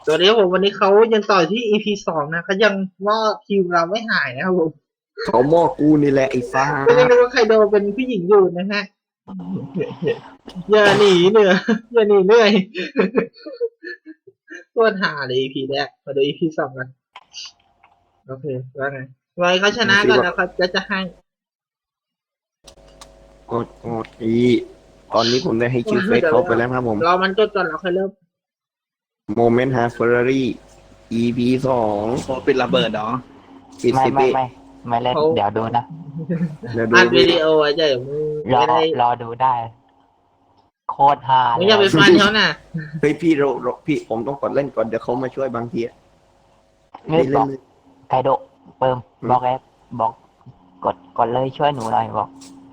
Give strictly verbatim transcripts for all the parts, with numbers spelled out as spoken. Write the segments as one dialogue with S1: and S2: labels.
S1: ตัวนี้ผมวันนี้เขายังต่อที่ อี พี สองนะเขายังว่าทีมเราไม่หายนะครับผม
S2: เขาหม้อกูนี่แหละไอ้ฟ้า
S1: ก็ยังนึกว่าใครโดนเป็นผู้หญิงอยู่นะฮะอย่าหนีเหนื่อยอย่าหนีเหนื่อยตัวหาเลย อี พี แรกมาดู อี พี สองกันโอเคว่าไงไว้เขาชนะก่อนแล้วเขาจะจะให้
S2: กดกดอีตอนนี้ผมได้ให้ชื่อเฟซเขาไปแล้วครับผม
S1: รอมันจดก่อนเราค่อยเริ่ม
S2: โมเมนต์ฮาร์เฟอร์รี่ อี พี สอง
S3: โคเป็นระเบิดเหรอ
S2: ปิด
S4: ไม่
S2: สิบ
S4: ไม่
S2: ปี
S4: ไม่ไม่เล่นเดี๋ยวดูนะ
S2: เดี๋ยวดู
S1: อัด
S2: ดิ
S1: วิดีโอไว้เดี๋ยวมึง
S4: รอ
S1: ไม่ได้
S4: รอดูได้ โคตรฮา
S1: มึงอย่าไปฟันเขาน่ะ
S2: เฮ้ยพี่เราเราพี่ผมต้องกดเล่นก่อนเดี๋ยวเขามาช่วยบางทีอะ
S4: นี่
S2: ไม่
S4: บ
S2: เล่
S4: อน ก
S2: เลย
S4: ไคโดะเปิมบอกแอดบอกกดกดเลยช่วยหนูหน่อยบอก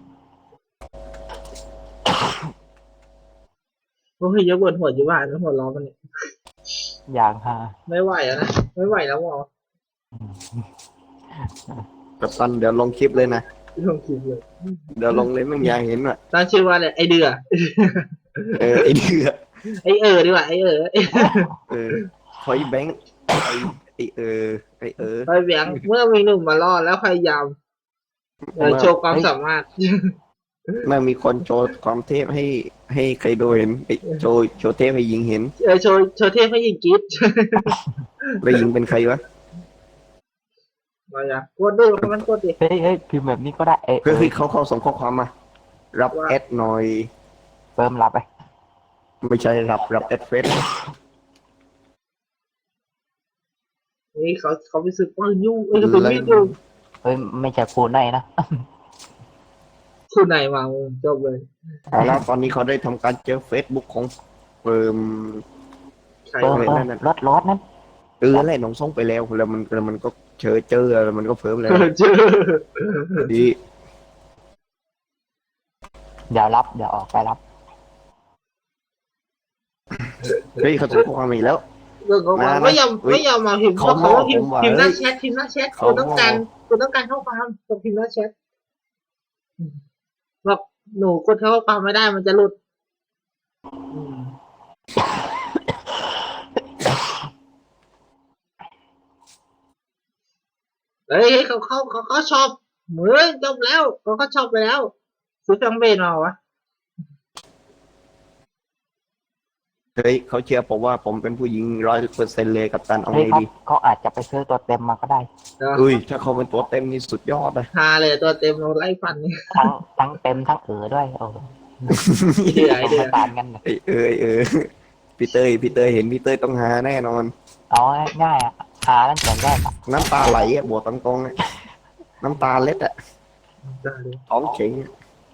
S1: โอ้ยเยอะบนหัวจีบ้านแล้วหัวร้อนมันเนี่ย
S4: อย่างฮา
S1: ไม่ไหวแล้วนะไม่ไหวแล้วหมอ
S2: กับตันเดี๋ยวลงคลิปเลยนะ
S1: ลงคลิปเลย
S2: เดี๋ยวลงเลยไม่อยากเห็นอ่ะ
S1: ตั้งชื่อว่าอะไรไอเดือ
S2: เออไอ้เดือ
S1: ไอเออดีกว่าไอเออ
S2: เออคอยแบงค์ไอ้ไอ้เออไอ้เออ
S1: ไปเบียงเมื่อมีหนุ่มมาล่อแล้วพยายามเออโชว์ความสามารถ
S2: เมื่อมีคนโชว์ความเทพให้ให้ใครดูเห็นไอ้โชว์โชว์เทพให้ยิงเห็น
S1: เออโชว์โชว์เทพให้ยิงกีด
S2: แล้วยิงเป็นใครวะ
S1: มาอย่ากดดิมันกดดิ
S4: เฮ้ยเฮ้ยพิมพ์แบบนี้ก็ได้เอ้ย
S2: เฮ้ยเฮ้ยเขาเขาส่งข้อความมา รับแอดหน่อย
S4: เปิมรับไป
S2: ไม่ใช่รับรับแอดเฟซ
S1: นี่เขาเขาไปซื้อปืนยุ่งเอ้ยกระสุนมีดอยู่
S4: เฮ้ยไม่ใช่คูณได้นะ
S1: คู่ไหนมามึงจบเลย
S2: เอาแล้วตอนนี้เขาได้ทำการเจอเฟซบุ๊กของเฟิร์ม
S1: ใคร
S4: เปิม
S1: วะ
S4: เปิมรถรถนั้น
S2: เออแหละน้องส่งไปแล้วแล้วมันแล้วมันก็เจอเจอแล้วมันก็เฟิร์มแล้ว
S1: เจอ
S2: ดี
S4: เดี๋ยวรับเดี๋ยวออกไปรับ
S2: เฮ้ยเขาส่งข้อความมาอีกแล้ว
S1: เรื่องของมันไม่ยอมไม่ยอมมาพิมพ์เขาเขาว่าพิมพ์พิมพ์หน้าแชทพิมพ์หน้าแชทคุณต้องการคุณต้องการข้อความกดพิมพ์หน้าแชทบอกหนูกดข้อความไม่ได้มันจะหลุดเฮ้ยเขาเขาเขาเขาชอบเหมือนจบแล้วเขาก็ชอบไปแล้วซื้อแฟงเบนมาวะ
S2: เฮ้ยเขาเชื่อผมว่าผมเป็นผู้หญิงร้อยเปอร์เซ็นต์เลยกับตันเอา
S4: เฮ้ย
S2: ไง
S4: เขา
S2: ดี
S4: เขาอาจจะไปซื้อตัวเต็มมาก็ได้
S2: เฮ้ยถ้าเขาเป็นตัวเต็มนี่สุดยอดเลย
S1: ฮาเลยตัวเต็มเราไล่ฟันนี่
S4: ทั้งทั้งเต็มทั้งเอ๋อด้วยโอ้
S1: เดือดเดือ
S4: ไม่
S1: ด
S4: ต่างกันเลย
S2: ไอ้เออไอ้เออพี่เต้ยพี่เต้ยเห็นพี่เต้ยต้องหาแน่นอน
S4: เอาง่ายๆอ่ะหาตั้งแต่แรกอ่ะ
S2: น้ำตาไหลอ่ะบวกตรงๆอะน้ำตาเล็ดอ่ะท้องเข็งอะ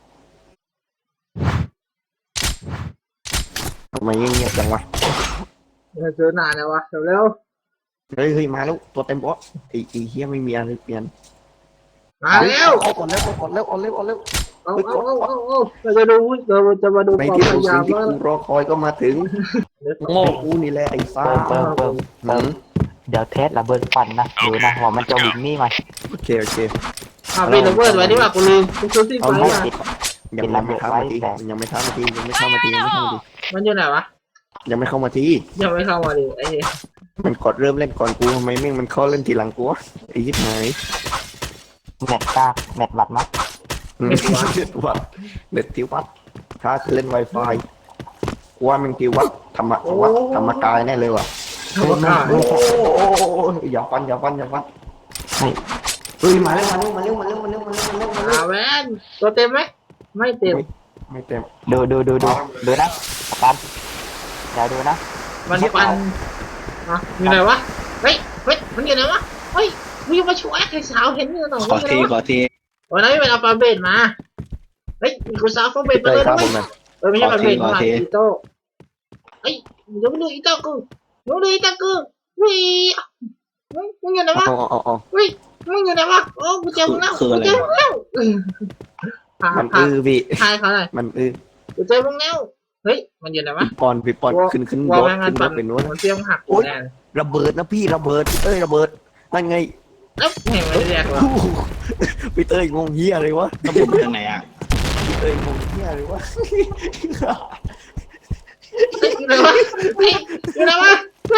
S2: ทำไมเงียบๆจังวะ
S1: เจอนานแล้ววะเร็ว
S2: เฮ้ยเฮ้ยมาแล้วตัวเต็มบอสไอ้ไอ้เฮียไม่มีอะไรเปลี่ยน
S1: มาแล้ว
S2: เอาก่อนแล้วเอาก่อนแล้วเอาเร็วเอาเร็ว
S1: เอาเอาเอาเอาเอาเราจะดูเราจะมาดู
S2: ใน
S1: ความ
S2: ที่
S1: พ
S2: สุด
S1: ยายา
S2: สิ่
S1: ม
S2: งที่
S1: ว่า
S2: กูรอคอยก็มาถึงโง่กูนี่แหละไอ้ฟ้า
S4: เปิมเปิมเปิม
S2: หื
S4: เปิม
S2: ม
S4: เดี๋ยวเทสระเบิดฟันนะดูนะว่ามันจะวิ่งนี่ไหม
S2: โอเคโอเค
S1: อ่าเป็นระเบิดไว้ดีกว่ากูลืมกูซื้อที่
S2: เอา
S1: ไฟ
S2: ไม่
S1: มา
S2: ติดยังไม่เข้ามาทียังไม่เข้ามาทียังไม่เข้ามาทียังไม่เข้ามาที
S1: มันอยู่ไหนวะ
S2: ยังไม่เข้ามาที
S1: ยังไม่เข้ามาดิไอ้เหี้ย
S2: มันกดเริ่มเล่นก่อนกูทำไมแม่งมันเข้าเล่นทีหลังกูวะไอ้ยิบหาย
S4: เน็ตกากเน็ตบัดมั้ย
S2: เน็ตวัดเน็ตที่วัดถ้าเล่น Wi-Fi กูว่ามันที่วัดธรรมะวัดธรรมกายแน่เลยว่ะ
S1: ธรรมกาย
S2: โอ้โหอย่าฟันอย่าฟันอย่าฟันเฮ้ยมาเร็วมาเร็วมาเร็วมาเร็วมาเร็วมาเร็วมาเร็วมาเร็
S1: อ่าว แมนตัวเต็มไหมไม่เต็ม
S2: ไม่เต็ม
S4: ดูดูดูดูดูนะปันเดี๋ยวดูนะ
S1: มันปันอ่ะอยู่ไหนวะเฮ้ยเฮ้ยมันอยู่ไหนวะเฮ้ยมึงมาช่วยไอ้สาวเห็นอยู่หน่อย
S3: ขอทีขอที
S1: วันนั้นเป็นอัลฟาเบตมาเฮ้ยมีกูสาวอัลฟาเบตมา
S2: เต้
S1: เลย ย
S2: ครั
S1: นะ
S2: บผ
S1: เว้ย
S2: มนะ
S1: เออไม่ใช่อัลฟาเบตมาอีโต้เฮ้ยเดี๋ยวมาดูอีโต้กูเดี๋ยวมาดูอีโต้กูวิ่งมึงอยู่ไหนวะ
S2: อ๋ออ๋ออ๋อ
S1: วิ่งมึงอยู่ไหนวะโอ้กูเจอมึงแล้วกูเจอมึงแล้วหา
S2: มัน
S1: หา
S2: อื้อพี่
S1: ทายเขาหน่อย
S2: มันอื้อ
S1: กูเจอมึงแล้วเฮ้ยมันอยู่ไหนวะ
S2: พี่ปอนพี่ปอนขึ้นขึ้น
S1: วอ
S2: ร
S1: ล
S2: ถ
S1: แม่งงา
S2: ขึ้
S1: น
S2: นร
S1: ปั่
S2: ถ
S1: น
S2: เป็นนู้น
S1: มันเสียงหักแน่
S2: ระเบิดนะพี่ระเบิดพี่เต้ยระเบิดนั่นไง
S1: แล้วเห็นมันเรียกว่า
S2: พี่เต้ยงงเฮียอะไรวะ
S3: ระเบิดมาจากไหนอ่ะ
S2: พี่เต้ยงงเฮียอะไรวะ
S1: อยู่ไหนวะเฮ้ยอยู่ไหนวะเฮ้ย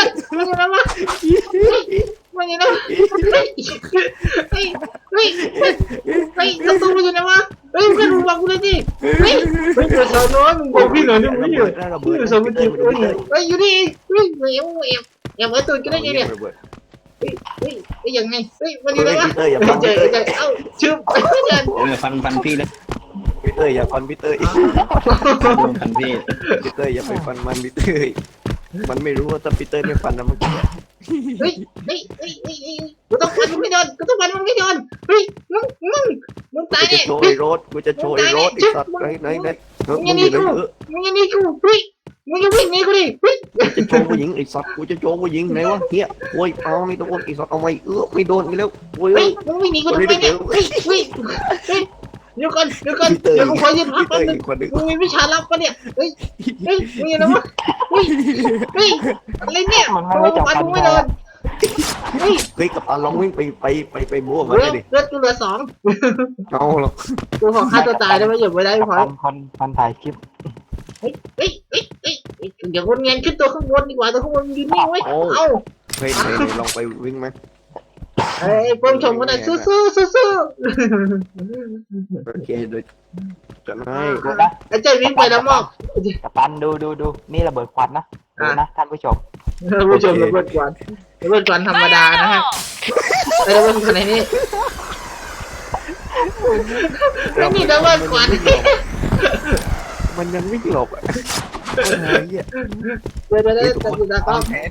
S1: อยู่ไหนวะมันอยู่ไหนเฮ้ยเฮ้ยเฮ้ยเฮ้ยประตูมันอยู่ไหนวะเฮ้ยเพื่อนมึงบอกกูเลยดิเฮ้ยเฮ้ยเดี๋ยวสาวน้อยมึงบอกพี่หน่อยดิมึงอยู่เดี๋ยวสาวมันอยู่เฮ้ยอยู่นี่เฮ้ยเฮ้ยเฮ้ยอย่ามาตื่นกันได้ไงเนี่ยเฮ้ยเฮ้ยเฮ้ยยังไงเฮ้ยมันอยู่ไหนวะเฮ้ยเจอเจอเอ้าชื่อเดิน
S3: เออฟันฟันพี่เลย
S2: พี่เตยอย่าฟันพี่เตย
S3: โดนฟันพี่
S2: พี่เตยอย่าไปฟันมันพี่เตยมันไม่รู้ว่าถ้าพี่เตยไม่ฟันนะเมื่อกี้
S1: เฮ้ยเฮ้ยเฮ้ยเฮ้ยกูต้องฟันมันไม่โดนกูต้องฟันมันไม่โดนเฮ้ยมึงมึงมึง
S2: กู
S1: ตาย
S2: จะ
S1: เนี่ย
S2: โชว์ไอ้รถกูจะโชว์ไอ้รถไอ้สัตว์ไหนไหนไหนเฮ้ยมึงอยู่ไหนเออ
S1: มึงยังนี่กูเฮ้ยมึงยังวิ่งหนีกูดิเฮ้ย
S2: จะโชว์ผู้หญิงไอ้สัตว์กูจะโชว์ผู้หญิงไหนวะเฮียโอ้ยเอาไม่โดนไอ้สัตว์เอาไม่เออไม่โดนกันแล้วโอ้ย
S1: เฮ้ยมึงวิ่งหนีกูทำไมเนี่ยเฮ้ยเฮ้ยเฮ้ยเดี๋ยวก่อนเดี๋ยวก่อน
S2: พี่เตย
S1: เดี๋ยวกูขอยืนพัก
S2: พี่เต
S1: แป๊บ
S2: ย
S1: นึง
S2: อีกคนหนึ่ง
S1: มึงมีวิชาลับปะเนี่ยเฮ้ยเฮ้ยมึงยังไงวะเฮ้ยเฮ้ยอะไรเนี่ยมึงฟันมึงไม่โดนเฮ้ย
S2: เฮ้ยกับอาลองวิ่งไปไปไปไปบ้ว
S1: เห
S2: มา
S1: ลือ
S2: เลยดิ
S1: เหลือกูเหลือสอง
S2: เอาหรอก
S1: กูขอฆ่าตัวตายได้ไหมอย่าไปได้พอ
S4: คนคนคนถ่ายคลิป
S1: เฮ้ยเฮ้ยเฮ้ยเฮ้ยเดี๋ยวคนเงินขึ้นตัวข้างบนดีกว่าตัวข้างบนยืนนิ่งไว้เอ้า
S2: เฮ้ยไหนลองไปวิ่งไหม
S1: เฮ้ยเพิ่มชมกันหน่อยสู้สู้สู้สู้
S2: โอเคโดยจะให้
S4: ดูนะ
S1: ไอ้เจ้าวิ่งไปแล้วมอบ
S4: กับปันดูดูดูนี่ระเบิดควันนะดูนะท่านผู้ชม
S1: ผู้ชมระเบิดควันระเบิดควันธรรมดานะฮะไอ้ระเบิดควันไหนนี่ไม่มีระเบิดควัน
S2: มันยังวิ่งหลบอ่ะไอ้เหี้ย
S1: เดี๋ยวเดี๋ยวเดี๋ยวตัดสินตา
S2: แทน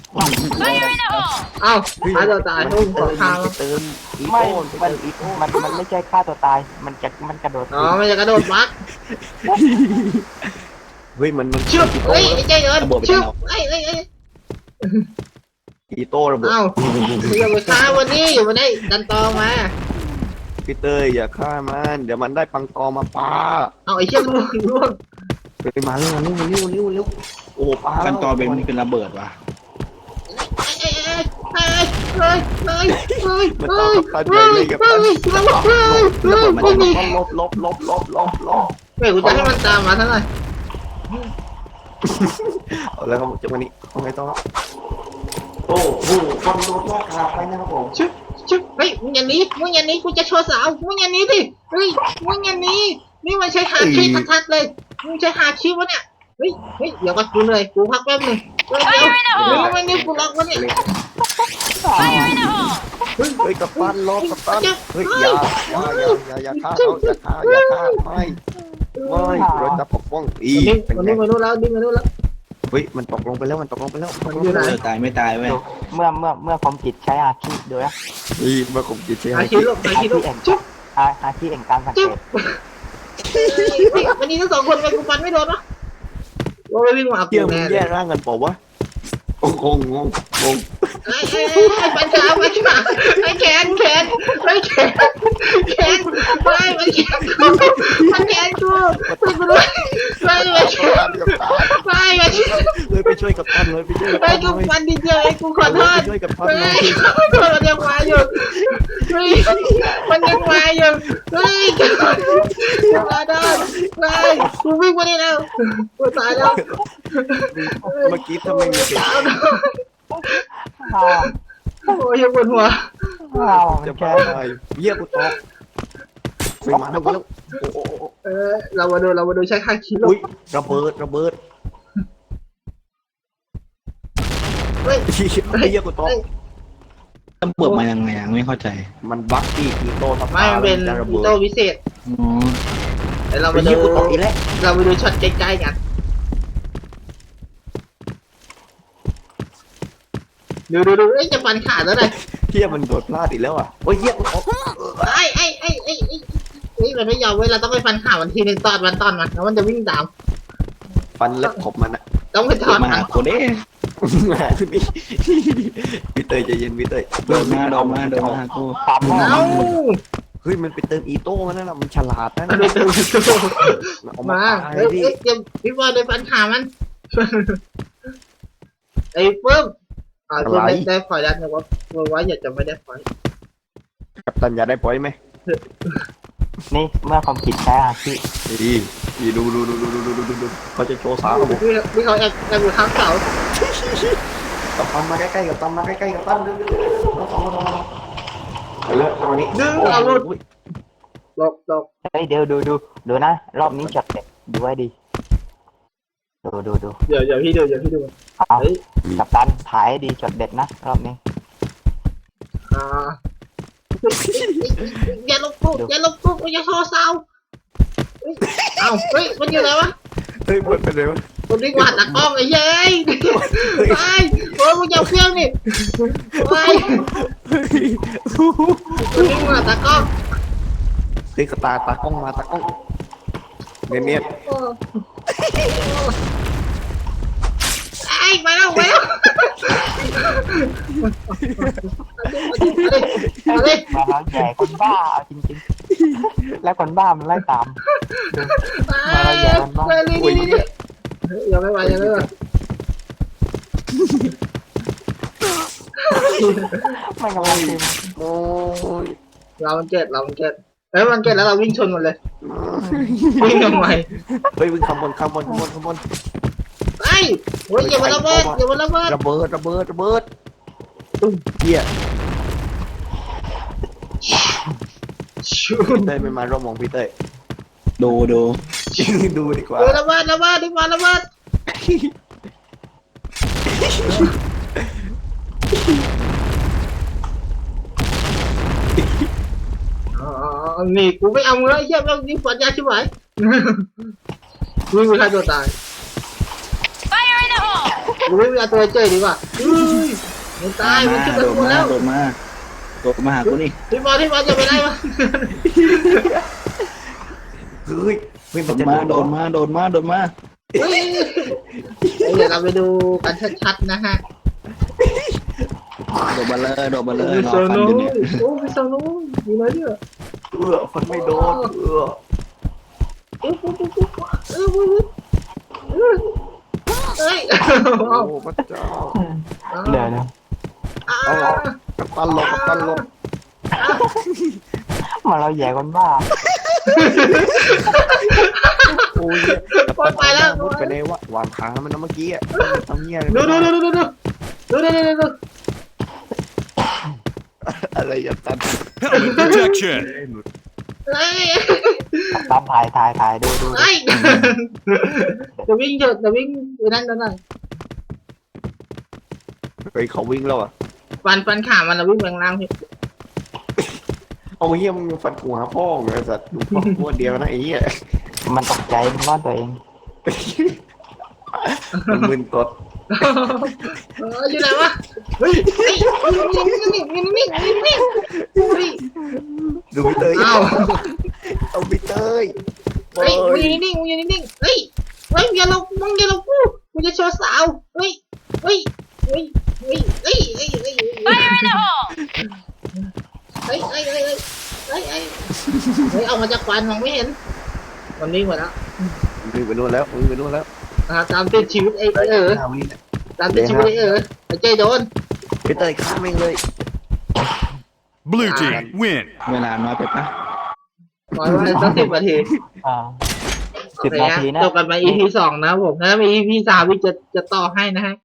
S1: เอ้าฆ่าตัวตายทุ่งขอข้าว
S2: เติมอี
S4: ไม่
S2: โต้
S4: มันมันมันไม่ใช่ฆ่าตัวตายมันจะมันกระโดด
S1: อ๋อมันจะกระโดดบัก
S2: เฮ้ยมันมัน
S1: ชึบเฮ้ยไอ้เจ้าเดินชึบไอ้ไอ้ไอ้
S2: อีโต้ระเบิด
S1: เอ้าอย่าไปฆ่าวันนี้อยู่วันนี้ดันตองมา
S2: พี่เตยอย่าฆ่ามันเดี๋ยวมันได้ปังตอมาปา
S1: เอาไอ้เชี่ยล่วงล่วง
S2: ไปมาเร็วเร็วเร็วเร็วเร็วโอ้ปา
S3: ฟันตอเป็นเป็นระเบิดว่ะ
S1: เอ้ยเอ้ยเอ้ยเอ้ยเอ้ย
S2: มัน
S1: เอ้
S2: ต้อย งกับตันใหญ่เลยกับตัน
S1: เอ้ยเอ้ยเอ้ย
S2: ระเบิดมัน
S1: ไม่มี
S2: ต้องลบลบลบลบลบลบ
S1: เฮ้ยกูจะให้มันตามมาเท่าไหร่
S2: เอาแล้วครับจังหวะนี้เอาไงต่อโอ้โหคนโดนลากขาไปนะครับผม
S1: ชึบชึบเฮ้ยมึงอย่าหนีมึงอย่าหนีกูจะโชว์สาวมึงอย่าหนีดิเฮ้ยมึงอย่าหนีนี่มันใช้หาคีทัดๆเลยมึงใช้หาคีวะเนี่ยเฮ้ยเฮ้ยเดี๋ยวก็กูเหนื่อยกูพักแป๊บนึงเดี๋ยวเดี๋ยวมึงไม่นี่กูล็อกวะเนี่ย
S2: เฮ้ยกับตันรอกับตันเฮ้ยอย่าอย่าอย่าอย่าฆ่าเขาอย่าฆ่าอย่าฆ่าไม่ไม่เราจะปกป้องอี
S1: ดิ้ง
S2: เป็น
S1: มัน
S2: ไง
S1: ดิ้งมานู่นแล้วดิ้งมานู่นแล้ว
S2: เฮ้ยมันตกลงไปแล้วมันตกลงไปแล้ว
S1: มันอยู่ไหน
S3: เออตายไม่ตายเว้ย
S4: ดูเมื่อเมื่อเมื่อผมจิตใช้อาคีดูนะ
S2: อีเมื่อผมจิตเชีย
S1: หาคีลูกหาคีลูกชึบ
S4: อาอาคีแห่งการสังเก
S1: จึ๊บ
S4: ต
S1: วันนี้ทั้งสองคนไปกูฟันไม่โดนวะว่าไม่วิ่งมา
S2: เที่ย
S1: กู
S2: มึง
S1: แน่เล
S2: แย่
S1: ย
S2: ร่างกันเปล่าวะโอ้งงงงงง
S1: ไอ้ไอ้ไอ้ปัญชาปัญชาไอ้แขนแขนไอ้แขนแขนไม่มันแขนกูมันแขนกูไม่กูด้วยไม่ไม่แขนไม่ไม่
S2: เลยไปช่วยกับตันเลยไปช่วยกับ
S1: ไอ้
S2: ตัน
S1: กู
S2: เลย
S1: ฟันดีเดียวไอ้กูขอโทษ
S2: ช่วยกับตัน
S1: เฮ้
S2: เลย
S1: ยขอโทษมันยังมาอยู่เฮ้ยมันยังมาอยู่เฮ้ยขอโทษไม่กูวิ่งมาได้แล้วกูตายแล้ว
S2: เมื่อกี้ทำไมมีเสียง
S1: โอ้ยยังปวดหัว
S2: จะบ้าอะไรเยี่ยกูตกไปมาแล้วแล้วโอ้โห
S1: เออเรามาดูเรามาดูใช้ค่าคิโล
S2: อุ้ยระเบิดระเบิด
S1: เฮ้ย
S2: เยี่ยกูตก
S3: ระเบิดมายังไงอะไม่เข้าใจ
S2: มันบั๊กที่กีโต้ทับ
S1: ไม่มันเป็น
S2: จะระ
S1: อี
S2: เบิด
S1: โต้พิเศษ
S3: อ๋อ
S1: เดี๋ยวเรา
S2: ไป
S1: มาดู
S2: เยี่ยกูตกอีกแล้ว
S1: เรามาดูช็อตใกล้ๆกันดูดูดูเอ้ยจะฟันขาดแล้วเลย
S2: เที่ยมันโดดพลาดอีกแล้วอ่ะโอ้ยเยี่ยกูตก
S1: ไอ้ไอ้ไอ้ไอ้ไอ้ไอ้มันไม่ยอมเว้ยเราต้องไปฟันขามันทีนึงตอนมันตอนมันแล้วมันจะวิ่งตาม
S2: ฟันเล็บขบมันอ่ะ
S1: ต้องไปถอน
S3: มา
S1: หา
S3: หาโคเด้
S2: พี่เตยใจเย็นพี่เตย
S3: โดนมาโดนมาโดนมากู
S4: สาม
S1: เอ้า
S2: เฮ้ยมันไปเติมอีโต้มันนั่นแหละมันฉลาดนะ
S1: มันไปเติมตัว
S2: เอา
S1: มา
S2: มา
S1: เฮ้ย
S2: พี่
S1: เฮ้ยเดี๋ยวพี่บอลไปฟันขามันไอ้เพิ่มอ่าตัวได้ได้พอยแล้วนะว่าว่าว่าอยากจะไม่ได้พอย
S2: กัปตันอยากได้ปล่อยไหม
S4: นี่เมื่อผมจิตใช้อาคี
S2: ดีดีดูดูดูดูดูดูดูดูเขาจะโชว์สาวผม
S1: พี่พี่เขาแอบแอบอยู่ข้างเสา
S2: กับตันมาใกล้ๆกับตันมาใกล้ๆกับตันเร็วๆน้องสองน้องสองไปเลยตรงนี้
S1: ดึงเอาหลุด
S2: อุ้ย
S1: หลบหลบ
S4: เฮ้ยเดี๋ยวดูดูดูนะรอบนี้ช็อตเด็ดดูไว้ดีดูดูดู
S1: เดี๋ยวเดี๋ยวพี่ดูเดี๋ยวพี่ดู
S4: เอา
S1: เฮ้ย
S4: กัปตันถ่ายให้ดีช็อตเด็ดนะรอบนี้
S1: อ่าอย่าลบปุ๊บอย่าลบปุ๊บอย่าโทรเศร้าเอ้าเฮ้ยมันอยู่ไหนวะ
S2: เฮ้ยมันเป็นไรวะ
S1: คนนี้กวาดตากล้องไอ้เย้ยไปโอ้ยมึงอย่าเพี้ยงนี่ไปคนนี้กวาดตากล้อง
S2: เฮ้ยตาตากล้องมาตากล้องเนียน
S1: โอ้ไอ้ไปแล้วไปแล้วเอาดิ
S4: มาแล้วใหญ่คนบ้าเอาจริงๆแล้วคนบ้ามันไล่ตาม
S1: ไปนี่นี่นี่ยังไม่ไหวยังไม่ไหว
S4: มันกำลังพิมพ์
S2: ๆโอ้ย
S1: เรามันเก็ตเรามันเก็ตเฮ้ยมันเก็ตแล้วเราวิ่งชนหมดเลยวิ่งทำไม
S2: เฮ้ยวิ่งขบวนขบวนขบวนขบวน
S1: ไอ้โอ้ยอย่ามาระเบิดอย่ามาระเบิด
S2: ระเบิดระเบิดระเบิดตุ้มเหี้ยพี่เต้ยไม่มาร่วมวงพี่เต้ย
S3: ดูดู
S2: ดูดีกว่า
S1: เออระเบิดระเบิดดีกว่าระเบิดนี่กูไม่เอาเลยเยี่ยมแล้วนี่ปัญญาชิบหายวิ่งไปฆ่าตัวตายกูวิ่งไปเอาตัวเจ๊ดีกว่ามันตายมันขึ้นไป
S3: โดด
S1: กู
S3: มา
S1: แล้ว
S3: โดดมาโดดมาหากูนี่
S1: ที่บอลที่บอลจะไปได้ปะ
S2: เฮ้ยเฮ้ย
S3: โด
S2: มัน
S3: ด
S2: จะ
S3: มาโดดมาโดดมาโดดมา
S1: เฮ้ยเดี๋ยวเราไปดูกันชัดๆนะฮะ
S3: โดดมาเลยโดดมาเลย
S1: มี
S3: รอ
S1: โซ
S3: ฟัน
S1: โน่
S3: อยู่เนี่ย
S1: โอ้มีโซโน่มีอะไรเนี่ย
S2: เออฟันไม่โดนเออ
S1: เออปุ๊บปุ๊บปุ๊บเออปุ๊บปุ๊บเฮ้ย
S2: โอ้พระเจ้า
S4: เดี๋ยวนะ
S2: กัปตันหลบกัปตันหลบ
S4: มาเราใหญ่คนบ้า
S2: โอ้ยกัปตันไปแล้วมุดไปในวะวางขามันนะเมื่อกี้อ่ะทำเงี้ย
S1: ดูดูดูดูดูดูดูดูดูดู
S2: อะไรอย่าตัน
S5: Helmet protection.
S1: เฮ้ย
S4: ตามถ่ายถ่ายถ่ายดูดู
S1: เฮ้ยจะวิ่งเถอะจะวิ่งไปนั่นนั่นนั่น
S2: เฮ้ยเขาวิ่งแล้วอ่ะ
S1: ฟันฟันขามันเราวิ่งแรงล่างพี่
S2: เอาเหี้ยมึงฟันหัวพ่อเลยสัตว์ดูพ่อตัวเดียวนะไอ้เหี้ย
S4: มันตกใจมันว่าตัวเอง
S2: มันมึนตด
S1: เอออยู่ไหนวะเฮ้ยเฮ้ยนิ่งนิ่งนิ่งนิ่งนิ่งเฮ้ย
S2: ดูพี่เตย
S1: อ้าว
S2: เอาพี่เตย
S1: เฮ้ยมึงอยู่นิ่งมึงอยู่นิ่งเฮ้ยเฮ้ยอย่าลงมึงอย่าลงกูกูจะโชว์สาวเฮ้ยเฮ้ยเฮ้ยเฮ้ยเฮ้ยเฮ้ยเฮ้ยเฮ้ยเฮ้ยเฮ้ยเฮ้ยเฮ้ยเฮ้ยเฮ้ยเฮ้ยเอามาจากควันมองไม่เห็นมันนิ่งหมดแล้ว
S2: มึงไปนู่นแล้วมึงไปนู่นแล้ว
S1: อ่าตามติดชีวิตไอ้เออ
S2: ห้าวิเนี่ย
S1: ตามติดชีวิตไอ้เออไอ้เจโดน
S2: พี่เตยข้ามเองเลย
S5: Blue team win.
S3: เวลาน้อยไปปะ
S1: น้อยว่าสักสิบนาที
S4: อ่า
S1: โอ
S4: สิบ
S1: เค
S4: นา
S1: ฮะ
S4: ทีนะ
S1: จบกันไป อี พี สองนะผมถ้ามี อี พี สามวิจะจะต่อให้นะฮะ